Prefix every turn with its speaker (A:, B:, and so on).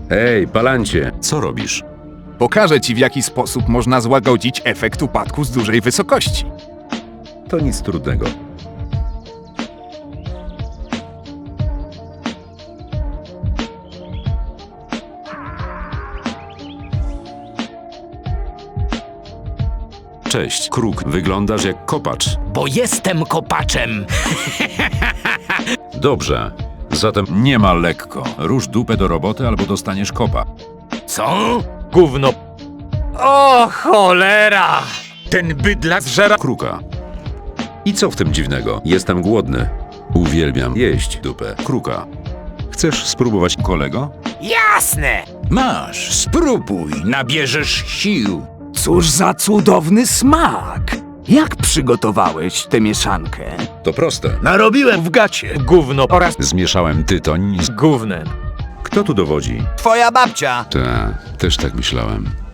A: Ej, Palancie!
B: Co robisz?
C: Pokażę ci, w jaki sposób można złagodzić efekt upadku z dużej wysokości.
A: To nic trudnego.
B: Cześć, Kruk. Wyglądasz jak kopacz.
D: Bo jestem kopaczem.
A: Dobrze. Zatem
B: Nie ma lekko. Rusz dupę do roboty albo dostaniesz kopa.
D: Co? Gówno. O cholera! Ten bydlak zżera...
B: Kruka.
A: i co w tym dziwnego? Jestem głodny.
B: Uwielbiam
A: Jeść.
B: dupę. Kruka. Chcesz spróbować, kolego?
D: Jasne!
E: Masz, spróbuj, nabierzesz sił.
F: Cóż za cudowny smak! Jak przygotowałeś tę mieszankę?
A: To proste.
E: Narobiłem w gacie.
D: Gówno oraz
B: Zmieszałem tytoń z...
D: gównem.
A: Kto tu dowodzi?
E: Twoja babcia.
B: Ta, też tak myślałem.